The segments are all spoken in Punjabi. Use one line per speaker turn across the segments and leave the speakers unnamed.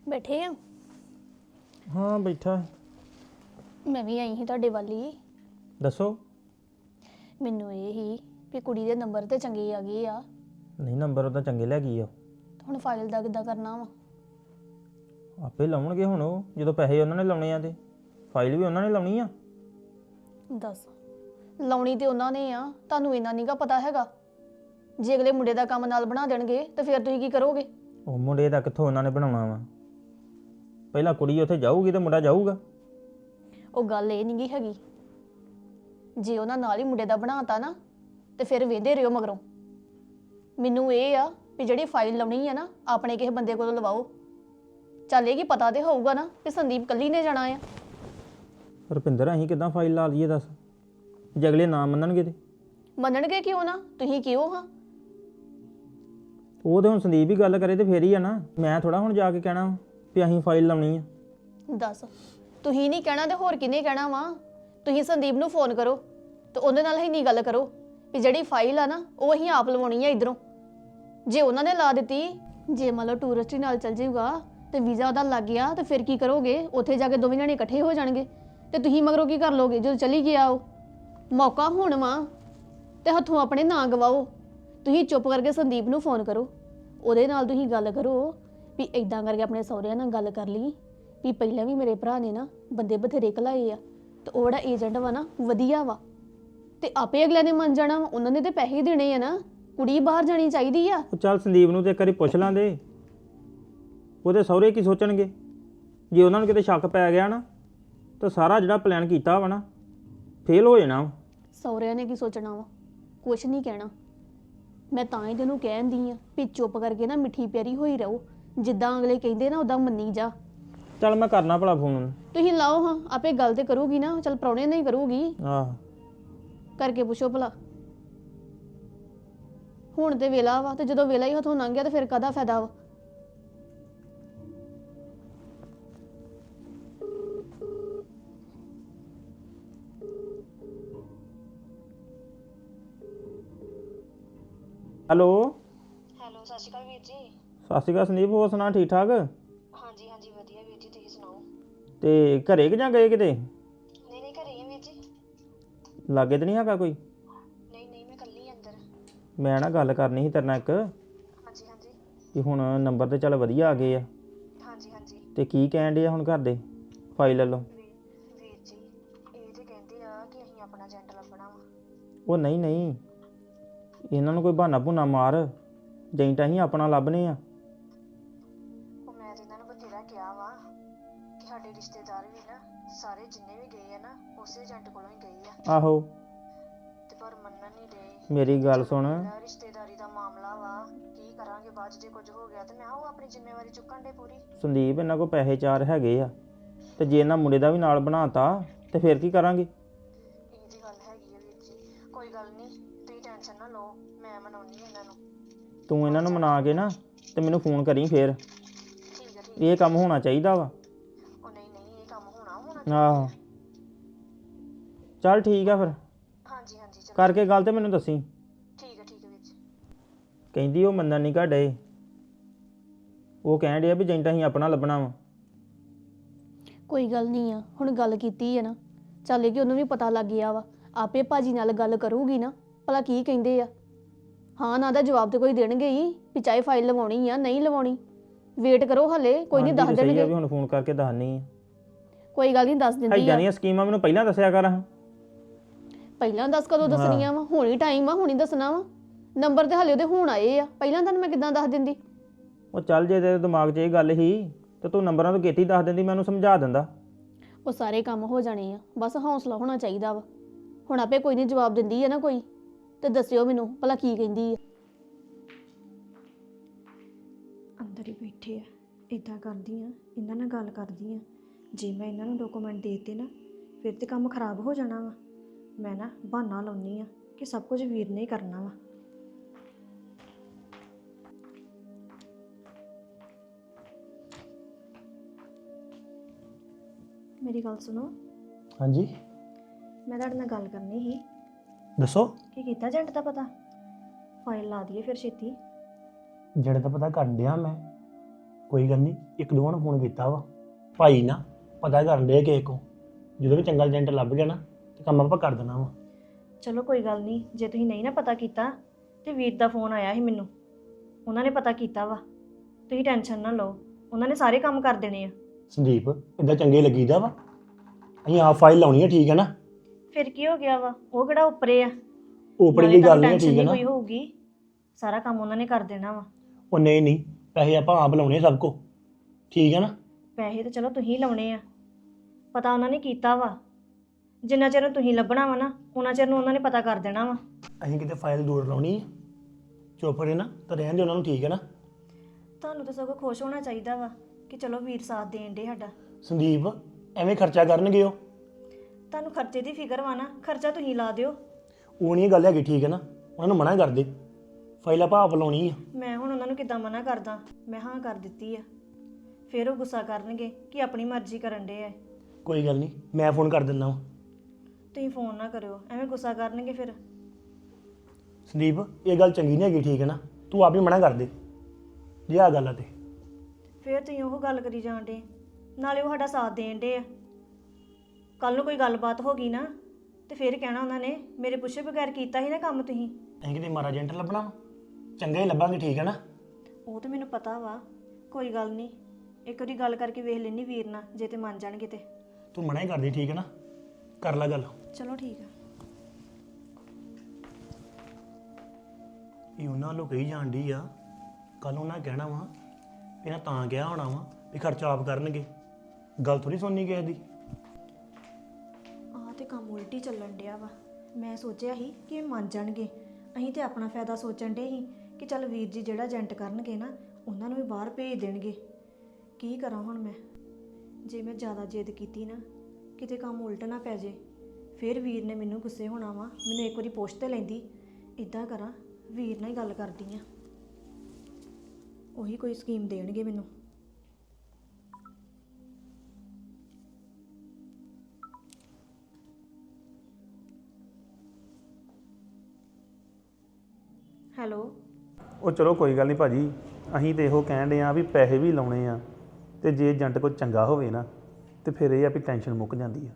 ਬੈਠੇ ਆ।
ਹਾਂ ਬੈਠਾ।
ਮੈਂ ਵੀ ਆਈ ਸੀ ਤੁਹਾਡੇ ਵੱਲ ਹੀ।
ਦੱਸੋ।
ਮੈਨੂੰ ਇਹ ਹੀ ਵੀ ਕੁੜੀ ਦੇ ਨੰਬਰ ਤੇ ਚੰਗੇ ਆ ਗਏ ਆ।
ਨਹੀਂ ਨੰਬਰ ਉਹਦਾ ਚੰਗੇ ਲੈ ਗਈ ਆ।
ਹੁਣ ਫਾਈਲ ਦਾ ਕਿੱਦਾਂ ਕਰਨਾ ਵਾ?
ਆਪੇ ਲਾਉਣਗੇ ਹੁਣ ਉਹ, ਜਦੋਂ ਪੈਸੇ ਉਹਨਾਂ ਨੇ ਲਾਉਣੇ ਆ ਤੇ ਫਾਈਲ ਵੀ ਉਹਨਾਂ ਨੇ ਲਾਉਣੀ ਆ।
ਦੱਸ, ਲਾਉਣੀ ਤੇ ਉਹਨਾਂ ਨੇ ਆ, ਤੁਹਾਨੂੰ ਇੰਨਾ ਨਹੀਂਗਾ ਪਤਾ ਹੈਗਾ। ਜੇ ਅਗਲੇ ਮੁੰਡੇ ਦਾ ਕੰਮ ਨਾਲ ਬਣਾ ਦੇਣਗੇ ਤਾਂ ਫਿਰ ਤੁਸੀਂ ਕੀ ਕਰੋਗੇ?
ਉਹ ਮੁੰਡੇ ਦਾ ਕਿੱਥੋਂ ਉਹਨਾਂ ਨੇ ਬਣਾਉਣਾ ਵਾ? ਪਹਿਲਾਂ ਕੁੜੀ ਉੱਥੇ ਜਾਊਗੀ ਤੇ ਮੁੰਡਾ ਜਾਊਗਾ।
ਉਹ ਗੱਲ ਇਹ ਨਹੀਂਗੀ ਹੈਗੀ। ਜੇ ਉਹਨਾਂ ਨਾਲ ਹੀ ਮੁੰਡੇ ਦਾ ਬਣਾਤਾ ਨਾ ਤੇ ਫਿਰ ਵੇਂਦੇ ਰਿਓ ਮਗਰੋਂ। ਮੈਨੂੰ ਇਹ ਆ ਵੀ ਜਿਹੜੀ ਫਾਈਲ ਲਾਉਣੀ ਆ ਨਾ ਆਪਣੇ ਕਿਸੇ ਬੰਦੇ ਕੋਲੋਂ ਲਵਾਓ। ਚੱਲ ਇਹ ਕੀ ਪਤਾ ਤੇ ਹੋਊਗਾ ਨਾ ਵੀ ਸੰਦੀਪ ਕੱਲੀ ਨੇ ਜਾਣਾ ਆ।
ਰੁਪਿੰਦਰ ਅਸੀਂ ਕਿੱਦਾਂ ਫਾਈਲ ਲਾ ਲਈਏ ਦੱਸ? ਜੇ ਅਗਲੇ ਨਾ ਮੰਨਣਗੇ ਤੇ?
ਮੰਨਣਗੇ ਕਿਉਂ ਨਾ? ਤੁਸੀਂ ਕਿਉਂ ਹਾਂ?
ਉਹ ਤੇ ਹੁਣ ਸੰਦੀਪ ਹੀ ਗੱਲ ਕਰੇ ਤੇ ਫੇਰ ਹੀ ਆ ਨਾ। ਮੈਂ ਥੋੜਾ ਹੁਣ ਜਾ ਕੇ ਕਹਿਣਾ ਵੀ ਅਸੀਂ ਫਾਈਲ ਲਾਉਣੀ ਆ।
ਦੱਸ, ਤੁਸੀਂ ਨਹੀਂ ਕਹਿਣਾ ਤੇ ਹੋਰ ਕਿਹਨੇ ਕਹਿਣਾ ਵਾ? ਤੁਸੀਂ ਸੰਦੀਪ ਨੂੰ ਫੋਨ ਕਰੋ ਤੇ ਉਹਦੇ ਨਾਲ ਹੀ ਨਹੀਂ ਗੱਲ ਕਰੋ ਵੀ ਜਿਹੜੀ ਫਾਈਲ ਆ ਨਾ ਉਹ ਅਸੀਂ ਆਪ ਲਵਾਉਣੀ ਆ ਇਧਰੋਂ। ਜੇ ਉਹਨਾਂ ਨੇ ਲਾ ਦਿੱਤੀ, ਜੇ ਮੰਨ ਲਓ ਟੂਰਿਸਟ ਹੀ ਨਾਲ ਚੱਲ ਜਾਊਗਾ ਤੇ ਵੀਜ਼ਾ ਉਹਦਾ ਲੱਗ ਗਿਆ ਤੇ ਫਿਰ ਕੀ ਕਰੋਗੇ? ਉੱਥੇ ਜਾ ਕੇ ਦੋਵੇਂ ਜਣੇ ਇਕੱਠੇ ਹੋ ਜਾਣਗੇ ਤੇ ਤੁਸੀਂ ਮਗਰੋਂ ਕੀ ਕਰ ਲੋਗੇ ਜਦੋਂ ਚਲੀ ਗਿਆ ਉਹ? ਮੌਕਾ ਹੁਣ ਵਾ ਤੇ ਹੱਥੋਂ ਆਪਣੇ ਨਾ ਗਵਾਓ। ਤੁਸੀਂ ਚੁੱਪ ਕਰਕੇ ਸੰਦੀਪ ਨੂੰ ਫੋਨ ਕਰੋ, ਉਹਦੇ ਨਾਲ ਤੁਸੀਂ ਗੱਲ ਕਰੋ ਵੀ ਇਦਾਂ ਕਰਕੇ ਆਪਣੇ ਸਹੁਰਿਆਂ ਨਾਲ ਗੱਲ ਕਰ ਲਈ ਵੀ ਪਹਿਲਾਂ ਵੀ ਮੇਰੇ ਭਰਾ ਨੇ ਨਾ ਬੰਦੇ ਬਥੇਰੇ ਘਲਾਏ ਆ ਤੇ ਉਹ ਜਿਹੜਾ ਏਜੰਟ ਵਾ ਨਾ ਵਧੀਆ ਵਾ ਤੇ ਆਪੇ ਅਗਲੇ ਨੇ ਮੰਨ ਜਾਣਾ। ਉਹਨਾਂ ਨੇ ਤੇ ਪੈਸੇ ਦੇਣੇ ਆ ਨਾ। ਕੁੜੀ ਬਾਹਰ ਜਾਣੀ ਚਾਹੀਦੀ ਆ।
ਉਹ ਚੱਲ ਸੰਦੀਪ ਨੂੰ ਤੇ ਇੱਕ ਵਾਰੀ ਪੁੱਛ ਲਾਂਦੇ, ਉਹਦੇ ਸਹੁਰੇ ਕੀ ਸੋਚਣਗੇ। ਜੇ ਉਹਨਾਂ ਨੂੰ ਕਿਤੇ ਸ਼ੱਕ ਪੈ ਗਿਆ ਨਾ ਤਾਂ ਸਾਰਾ ਜਿਹੜਾ ਪਲਾਨ ਕੀਤਾ ਵਾ ਨਾ ਫੇਲ ਹੋ ਜਾਣਾ।
ਸਹੁਰਿਆਂ ਨੇ ਕੀ ਸੋਚਣਾ ਵਾ? ਕੁਛ ਨਹੀਂ ਕਹਿਣਾ। ਮੈਂ ਤਾਂ ਹੀ ਤੈਨੂੰ ਕਹਿੰਦੀ ਆ ਵੀ ਚੁੱਪ ਕਰਕੇ ਨਾ ਮਿੱਠੀ ਪਿਆਰੀ ਹੋਈ ਰਹੋ। ਜਿੱਦਾਂ ਅਗਲੇ ਕਹਿੰਦੇ ਨਾ ਉਦਾਂ ਮੰਨੀ ਜਾ।
ਚੱਲ ਮੈਂ ਕਰਨਾ ਭਲਾ ਫੋਨ।
ਤੁਸੀਂ ਲਾਓ ਹਾਂ, ਆਪੇ ਗੱਲ ਤੇ ਕਰੂਗੀ ਨਾ। ਚੱਲ ਪ੍ਰਾਹੁਣੇ ਨਹੀਂ ਕਰੂਗੀ,
ਆਹ
ਕਰਕੇ ਪੁੱਛੋ ਭਲਾ। ਹੁਣ ਤੇ ਵੇਲਾ ਵਾ ਤੇ ਜਦੋਂ ਵੇਲਾ ਹੀ ਹੱਥੋਂ ਲੰਘ ਗਿਆ ਤੇ ਫਿਰ ਕਾਹਦਾ ਫਾਇਦਾ ਵਾ?
ਹੈਲੋ।
ਹੈਲੋ, ਸਤਿ ਸ਼੍ਰੀ ਅਕਾਲ ਵੀਰ ਜੀ।
ਸਤਿ ਸ਼੍ਰੀ ਅਕਾਲ ਸੰਦੀਪ, ਹੋਰ ਸੁਣਾ ਠੀਕ ਠਾਕ?
ਹਾਂਜੀ ਹਾਂਜੀ ਵਧੀਆ ਵੀਰ ਜੀ, ਤੁਸੀਂ ਸੁਣਾਓ?
ਤੇ ਘਰੇ ਕਿ ਜਾਂ ਗਏ ਕਿਤੇ?
ਨਹੀਂ ਨਹੀਂ, ਘਰੇ ਹੀ ਆ ਵੀਰ ਜੀ।
ਲਾਗੇ ਤੇ ਨਹੀਂ ਹੈਗਾ ਕੋਈ?
ਨਹੀਂ ਨਹੀਂ, ਮੈਂ ਇਕੱਲੀ ਅੰਦਰ।
ਮੈਂ ਨਾ ਗੱਲ ਕਰਨੀ ਸੀ ਤੇਰੇ ਨਾਲ ਇੱਕ,
ਹਾਂਜੀ ਹਾਂਜੀ।
ਕਿ ਹੁਣ ਨੰਬਰ ਤੇ ਚੱਲ ਵਧੀਆ ਆ ਗਏ ਆ
ਹਾਂਜੀ ਹਾਂਜੀ।
ਤੇ ਕੀ ਕਹਿਣ ਡੇ ਆ ਹੁਣ ਘਰ ਦੇ ਫਾਈਲ ਵੱਲੋਂ?
ਵੀਰ ਜੀ, ਇਹ ਤੇ ਕਹਿੰਦੇ ਆ ਕਿ ਅਸੀਂ ਆਪਣਾ ਏਜੰਟ ਲੱਭਣਾ ਵਾ।
ਉਹ ਨਹੀਂ ਨਹੀਂ, ਇਹਨਾਂ ਨੂੰ ਕੋਈ ਬਹਾਨਾ ਭੁਨਾ ਮਾਰ, ਏਜੰਟ ਅਸੀਂ ਆਪਣਾ ਲੱਭਨੇ ਆ।
ਉਹ ਮੈਂ ਤੇ ਇਹਨਾਂ ਨੂੰ ਬਥੇਰਾ ਕਿਹਾ ਵਾ ਕਿ ਸਾਡੇ ਰਿਸ਼ਤੇਦਾਰ ਵੀ ਨਾ ਸਾਰੇ ਜਿੰਨੇ ਵੀ ਗਏ ਆ ਨਾ ਉਸੇ ਏਜੰਟ ਕੋਲੋਂ ਹੀ ਗਏ ਆ,
ਆਹੋ
ਤੇ ਪਰ ਮੰਨਣ ਨਹੀਂ ਦੇ।
ਮੇਰੀ ਗੱਲ ਸੁਣ,
ਰਿਸ਼ਤੇਦਾਰੀ ਦਾ ਮਾਮਲਾ ਵਾ, ਕੀ ਕਰਾਂਗੇ ਬਾਅਦ 'ਚ ਜੇ ਕੁਝ ਹੋ ਗਿਆ ਤੇ ਮੈਂ ਉਹ ਆਪਣੀ ਜ਼ਿੰਮੇਵਾਰੀ ਚੁੱਕਣ ਦੇ ਪੂਰੀ।
ਸੰਦੀਪ ਇਹਨਾਂ ਕੋਲ ਪੈਸੇ ਚਾਰ ਹੈਗੇ ਆ ਤੇ ਜੇ ਇਹਨਾਂ ਮੁੰਡੇ ਦਾ ਵੀ ਨਾਲ ਬਣਾਤਾ ਤੇ ਫਿਰ ਕੀ ਕਰਾਂਗੇ?
ਇਹ ਦੀ ਗੱਲ ਹੈਗੀ ਆ ਵੀਰ ਜੀ, ਕੋਈ ਗੱਲ ਨਹੀਂ, ਤੁਸੀਂ ਟੈਨਸ਼ਨ ਨਾ ਲਓ, ਮੈਂ ਮਨਾਉਣੀ ਇਹਨਾਂ ਨੂੰ।
ਤੂੰ ਇਹਨਾਂ ਨੂੰ ਮਨਾ ਕੇ ਨਾ ਤੇ ਮੈਨੂੰ ਫੋਨ ਕਰੀ ਫੇਰ।
ਠੀਕ ਹੈ ਠੀਕ।
ਇਹ ਕੰਮ ਹੋਣਾ ਚਾਹੀਦਾ ਵਾ।
ਉਹ ਨਹੀਂ ਨਹੀਂ, ਇਹ ਕੰਮ ਹੋਣਾ
ਆਹੋ ਚੱਲ ਠੀਕ ਆ ਫਿਰ,
ਹਾਂਜੀ ਹਾਂਜੀ ਚਲੋ।
ਕਰਕੇ ਗੱਲ ਤੇ ਮੈਨੂੰ ਦੱਸੀ।
ਠੀਕ ਹੈ ਵੀਰ ਜੀ।
ਕਹਿੰਦੀ ਉਹ ਮੰਨਣ ਨਹੀਂ ਘੜੇ, ਉਹ ਕਹਿਣ ਡਿਆ ਵੀ ਏਜੰਟ ਅਸੀਂ ਆਪਣਾ ਲੱਭਣਾ ਵਾ।
ਕੋਈ ਗੱਲ ਨਹੀਂ ਆ, ਹੁਣ ਗੱਲ ਕੀਤੀ ਹੈ ਨਾ, ਚੱਲੇ ਕਿ ਉਹਨੂੰ ਵੀ ਪਤਾ ਲੱਗ ਗਿਆ ਵਾ। ਆਪੇ ਭਾਜੀ ਨਾਲ ਗੱਲ ਕਰੂਗੀ ਨਾ ਭਲਾ ਕੀ ਕਹਿੰਦੇ ਆ। ਹਾਂ ਨਾ ਦਾ ਜਵਾਬ ਤੇ ਕੋਈ ਦੇਣਗੇ ਹੀ ਵੀ ਚਾਹੇ ਫਾਈਲ ਲਵਾਉਣੀ ਆ ਨਹੀਂ ਲਵਾਉਣੀ। ਵੇਟ ਕਰੋ ਹਲੇ, ਕੋਈ ਨਹੀਂ ਦੱਸ
ਸਹੀ ਆ
ਦੇਣਗੇ।
ਵੀ ਹੁਣ ਫੋਨ ਕਰਕੇ ਦੱਸਣੀ ਆ।
ਕੋਈ ਗੱਲ ਨਹੀਂ, ਦੱਸ ਦਿੰਦੀ
ਐਦਾਂ
ਆ।
ਦੀਆਂ ਸਕੀਮਾਂ ਮੈਨੂੰ ਪਹਿਲਾਂ ਦੱਸਿਆ ਕਰ।
ਪਹਿਲਾਂ ਦੱਸ ਕਦੋਂ ਦੱਸਣੀਆਂ ਵਾ? ਹੁਣ ਹੀ ਟਾਈਮ ਆ, ਹੁਣ ਹੀ ਦੱਸਣਾ ਵਾ। ਨੰਬਰ ਤੇ ਹਲੇ ਉਹਦੇ ਹੁਣ ਆਏ ਆ, ਪਹਿਲਾਂ ਤੁਹਾਨੂੰ ਮੈਂ ਕਿੱਦਾਂ ਦੱਸ ਦਿੰਦੀ?
ਉਹ ਚੱਲ ਜੇ ਤੇਰੇ ਦਿਮਾਗ 'ਚ ਇਹ ਗੱਲ ਹੀ ਤੇ ਤੂੰ ਨੰਬਰਾਂ ਤੋਂ ਕੀਤੀ ਦੱਸ ਦਿੰਦੀ, ਮੈਂ ਉਹਨੂੰ ਸਮਝਾ ਦਿੰਦਾ।
ਉਹ ਸਾਰੇ ਕੰਮ ਹੋ ਜਾਣੇ ਆ, ਬਸ ਹੌਸਲਾ ਹੋਣਾ ਚਾਹੀਦਾ ਵਾ। ਹੁਣ ਆਪੇ ਕੋਈ ਨਹੀਂ ਜਵਾਬ ਦਿੰਦੀ ਹੈ ਨਾ ਕੋਈ, ਤੇ ਦੱਸਿਓ ਮੈਨੂੰ ਭਲਾ ਕੀ ਕਹਿੰਦੀ ਆ।
ਅੰਦਰ ਹੀ ਬੈਠੇ ਆ, ਇਦਾਂ ਕਰਦੀ ਆ, ਇਹਨਾਂ ਨਾਲ ਗੱਲ ਕਰਦੀ ਆ। ਜੇ ਮੈਂ ਇਹਨਾਂ ਨੂੰ ਡਾਕੂਮੈਂਟ ਦੇ ਦਿੱਤੇ ਨਾ ਫਿਰ ਤੇ ਕੰਮ ਖਰਾਬ ਹੋ ਜਾਣਾ ਵਾ। ਮੈਂ ਨਾ ਬਹਾਨਾ ਲਾਉਣੀ ਆ ਕਿ ਸਭ ਕੁਝ ਵੀਰ ਨੇ ਹੀ ਕਰਨਾ ਵਾ। ਮੇਰੀ ਗੱਲ ਸੁਣੋ।
ਹਾਂਜੀ
ਮੈਂ ਤੁਹਾਡੇ ਨਾਲ ਗੱਲ ਕਰਨੀ ਸੀ।
ਦੱਸੋ।
ਕੀ ਕੀਤਾ ਏਜੰਟ ਦਾ ਪਤਾ? ਫਾਈਲ ਲਾ ਦਈਏ ਫਿਰ ਛੇਤੀ।
ਜਿਹੜੇ ਤਾਂ ਪਤਾ ਕਰਨ ਡਿਆ ਮੈਂ, ਕੋਈ ਗੱਲ ਨਹੀਂ, ਇੱਕ ਦੋ ਨੂੰ ਫੋਨ ਕੀਤਾ ਵਾ ਭਾਈ ਨਾ ਪਤਾ ਕਰਨ ਦੇ ਕਿਸੇ ਕੋ, ਜਦੋਂ ਵੀ ਚੰਗਾ ਏਜੰਟ ਲੱਭ ਗਿਆ ਨਾ ਤੇ ਕੰਮ ਆਪਾਂ ਕਰ ਦੇਣਾ ਵਾ।
ਚਲੋ ਕੋਈ ਗੱਲ ਨਹੀਂ, ਜੇ ਤੁਸੀਂ ਨਹੀਂ ਨਾ ਪਤਾ ਕੀਤਾ ਤੇ ਵੀਰ ਦਾ ਫੋਨ ਆਇਆ ਸੀ ਮੈਨੂੰ, ਉਹਨਾਂ ਨੇ ਪਤਾ ਕੀਤਾ ਵਾ। ਤੁਸੀਂ ਟੈਨਸ਼ਨ ਨਾ ਲਓ, ਉਹਨਾਂ ਨੇ ਸਾਰੇ ਕੰਮ ਕਰ ਦੇਣੇ ਆ।
ਸੰਦੀਪ ਇਦਾਂ ਚੰਗੇ ਲੱਗੀਦਾ ਵਾ, ਅਸੀਂ ਆਪ ਫਾਈਲ ਲਾਉਣੀ ਹੈ, ਠੀਕ ਹੈ ਨਾ।
ਫਿਰ ਕੀ ਹੋ ਗਿਆ ਵਾ, ਉਹ ਕਿਹੜਾ ਉੱਪਰੇ ਆ।
ਉਪਰੇ ਦੀ ਗੱਲ ਨਹੀਂ,
ਟੈਨਸ਼ਨ
ਠੀਕ ਹੈ
ਨਹੀਂ
ਨਾ।
ਕੋਈ ਹੋਊਗੀ, ਸਾਰਾ ਕੰਮ ਉਹਨਾਂ ਨੇ ਕਰ ਦੇਣਾ ਵਾ।
ਉਹ ਨਹੀਂ ਨਹੀਂ, ਪੈਸੇ ਆਪਾਂ ਆਪ ਲਾਉਣੇ ਸਭ ਕੋ, ਠੀਕ ਹੈ ਨਾ।
ਪੈਸੇ ਤਾਂ ਚਲੋ ਤੁਸੀਂ ਲਾਉਣੇ ਆ, ਪਤਾ ਉਹਨਾਂ ਨੇ ਕੀਤਾ ਵਾ। ਜਿੰਨਾ ਚਿਰ ਨੂੰ ਤੁਸੀਂ ਲੱਭਣਾ ਵਾ ਨਾ, ਉਹਨਾਂ ਚਿਰ ਨੂੰ ਉਹਨਾਂ ਨੇ ਪਤਾ ਕਰ ਦੇਣਾ ਵਾ।
ਅਸੀਂ ਕਿਤੇ ਫਾਈਲ ਦੂਰ ਲਾਉਣੀ ਹੈ, ਚੁੱਪ ਰਹੇ ਨਾ ਤਾਂ ਰਹਿਣ ਦੇ ਉਹਨਾਂ ਨੂੰ, ਠੀਕ ਹੈ ਨਾ।
ਤੁਹਾਨੂੰ ਤਾਂ ਸਗੋਂ ਖੁਸ਼ ਹੋਣਾ ਚਾਹੀਦਾ ਵਾ ਕਿ ਚਲੋ ਵੀਰ ਸਾਥ ਦੇਣ ਦੇ ਸਾਡਾ।
ਸੰਦੀਪ ਐਵੇਂ ਖਰਚਾ ਕਰਨਗੇ ਉਹ,
ਤੁਹਾਨੂੰ ਖਰਚੇ ਦੀ ਫਿਕਰ ਵਾ ਨਾ, ਖਰਚਾ ਤੁਸੀਂ ਲਾ ਦਿਓ।
ਉਹ ਨਹੀਂ ਗੱਲ ਹੈਗੀ, ਠੀਕ ਹੈ ਨਾ। ਉਹਨਾਂ ਨੂੰ ਮਨਾ ਕਰ ਦੇ, ਫਾਈਲ ਆਪਾਂ ਆਪ ਲਾਉਣੀ ਆ।
ਮੈਂ ਹੁਣ ਉਹਨਾਂ ਨੂੰ ਕਿੱਦਾਂ ਮਨਾ ਕਰਦਾ, ਮੈਂ ਹਾਂ ਕਰ ਦਿੱਤੀ ਆ। ਫਿਰ ਉਹ ਗੁੱਸਾ ਕਰਨਗੇ ਕਿ ਆਪਣੀ ਮਰਜ਼ੀ ਕਰਨ ਦੇ ਆ।
ਕੋਈ ਗੱਲ ਨਹੀਂ, ਮੈਂ ਫੋਨ ਕਰ ਦਿੰਦਾ ਵਾ।
ਤੁਸੀਂ ਫੋਨ ਨਾ ਕਰਿਓ, ਐਵੇਂ ਗੁੱਸਾ ਕਰਨਗੇ ਫਿਰ।
ਸੰਦੀਪ ਇਹ ਗੱਲ ਚੰਗੀ ਨਹੀਂ ਹੈਗੀ, ਠੀਕ ਹੈ ਨਾ। ਤੂੰ ਆਪ ਹੀ ਮਨਾ ਕਰ ਦੇ ਜੇ ਆ ਗੱਲ ਆ ਤੇ।
ਫਿਰ ਤੁਸੀਂ ਉਹ ਗੱਲ ਕਰੀ ਜਾਣ ਡੇ, ਨਾਲੇ ਉਹ ਸਾਡਾ ਸਾਥ ਦੇਣ ਡੇ ਆ। ਕੱਲ ਨੂੰ ਕੋਈ ਗੱਲਬਾਤ ਹੋ ਗਈ ਨਾ ਤੇ ਫਿਰ ਕਹਿਣਾ ਉਹਨਾਂ ਨੇ ਮੇਰੇ ਪੁੱਛੇ ਬਗੈਰ ਕੀਤਾ ਸੀ ਨਾ ਕੰਮ ਤੁਸੀਂ।
ਅਸੀਂ ਕਿਤੇ ਮਾਰਾ ਏਜੰਟ ਲੱਭਣਾ ਵਾ, ਚੰਗਾ ਹੀ ਲੱਭਾਂਗੇ, ਠੀਕ ਹੈ ਨਾ।
ਉਹ ਤਾਂ ਮੈਨੂੰ ਪਤਾ ਵਾ, ਕੋਈ ਗੱਲ ਨਹੀਂ। ਇੱਕ ਵਾਰੀ ਗੱਲ ਕਰਕੇ ਵੇਖ ਲੈਣੀ ਵੀਰ ਨਾਲ, ਜੇ ਤੇ ਮੰਨ ਜਾਣਗੇ ਤੇ।
ਤੂੰ ਮਨਾ ਹੀ ਕਰਦੀ, ਠੀਕ ਹੈ ਨਾ। ਕਰ ਲੈ ਗੱਲ।
ਚਲੋ ਠੀਕ ਆ।
ਇਹ ਉਹਨਾਂ ਨੂੰ ਕਹੀ ਜਾਂਦੀ ਆ, ਕੱਲ ਉਹਨਾਂ ਕਹਿਣਾ ਵਾ ਇਹਨਾਂ ਤਾਂ ਕਿਹਾ ਹੋਣਾ ਵਾ ਵੀ ਖਰਚਾ ਆਪ ਕਰਨਗੇ। ਗੱਲ ਥੋੜੀ ਸੁਣਨੀ ਕਿਸੇ ਦੀ।
ਆਹ ਤੇ ਕੰਮ ਉਲਟੀ ਚੱਲਣ ਡਿਆ ਵਾ। ਮੈਂ ਸੋਚਿਆ ਸੀ ਕਿ ਇਹ ਮੰਨ ਜਾਣਗੇ, ਅਸੀਂ ਤੇ ਆਪਣਾ ਫਾਇਦਾ ਸੋਚਣ ਡੇ ਸੀ ਕਿ ਚੱਲ ਵੀਰ ਜੀ ਜਿਹੜਾ ਏਜੰਟ ਕਰਨਗੇ ਨਾ, ਉਹਨਾਂ ਨੂੰ ਵੀ ਬਾਹਰ ਭੇਜ ਦੇਣਗੇ। ਕੀ ਕਰਾਂ ਹੁਣ ਮੈਂ, ਜੇ ਮੈਂ ਜ਼ਿਆਦਾ ਜਿੱਦ ਕੀਤੀ ਨਾ, ਕਿਤੇ ਕੰਮ ਉਲਟ ਨਾ ਪੈ ਜੇ। ਫਿਰ ਵੀਰ ਨੇ ਮੈਨੂੰ ਗੁੱਸੇ ਹੋਣਾ ਵਾ, ਮੈਨੂੰ ਇੱਕ ਵਾਰੀ ਪੁੱਛ ਤੇ ਲੈਂਦੀ। ਇੱਦਾਂ ਕਰਾਂ, ਵੀਰ ਨਾਲ ਹੀ ਗੱਲ ਕਰਦੀ ਆ, ਉਹੀ ਕੋਈ ਸਕੀਮ ਦੇਣਗੇ ਮੈਨੂੰ। ਹੈਲੋ।
ਉਹ ਚਲੋ ਕੋਈ ਗੱਲ ਨਹੀਂ ਭਾਜੀ, ਅਸੀਂ ਤੇ ਇਹੋ ਕਹਿਣ ਦੇ ਆ ਵੀ ਪੈਸੇ ਵੀ ਲਾਉਣੇ ਆ, ਤੇ ਜੇ ਏਜੰਟ ਕੋਈ ਚੰਗਾ ਹੋਵੇ ਨਾ ਤੇ ਫਿਰ ਇਹ ਆ ਵੀ ਟੈਨਸ਼ਨ ਮੁੱਕ ਜਾਂਦੀ ਆ।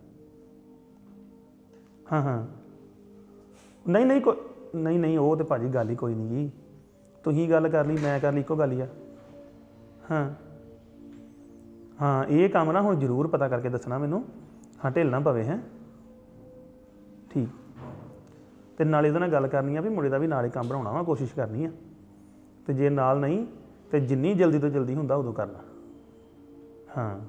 ਹਾਂ ਹਾਂ, ਨਹੀਂ ਨਹੀਂ ਨਹੀਂ ਨਹੀਂ, ਉਹ ਤੇ ਭਾਜੀ ਗੱਲ ਹੀ ਕੋਈ ਨਹੀਂ ਜੀ। ਤੁਸੀਂ ਗੱਲ ਕਰ ਲਈ, ਮੈਂ ਕਰ ਲਈ, ਇੱਕੋ ਗੱਲ ਹੀ ਆ। ਹਾਂ ਹਾਂ, ਇਹ ਕੰਮ ਨਾ ਹੁਣ ਜ਼ਰੂਰ ਪਤਾ ਕਰਕੇ ਦੱਸਣਾ ਮੈਨੂੰ, ਹਾਂ ਢਿੱਲ ਨਾ ਪਵੇ। ਹੈ ਠੀਕ। ਤੇ ਨਾਲ ਇਹਦੇ ਨਾਲ ਗੱਲ ਕਰਨੀ ਆ ਵੀ ਮੁੰਡੇ ਦਾ ਵੀ ਨਾਲ ਹੀ ਕੰਮ ਬਣਾਉਣਾ ਵਾ, ਕੋਸ਼ਿਸ਼ ਕਰਨੀ ਆ। ਤੇ ਜੇ ਨਾਲ ਨਹੀਂ ਤੇ ਜਿੰਨੀ ਜਲਦੀ ਤੋਂ ਜਲਦੀ ਹੁੰਦਾ ਉਦੋਂ ਕਰਨਾ। ਹਾਂ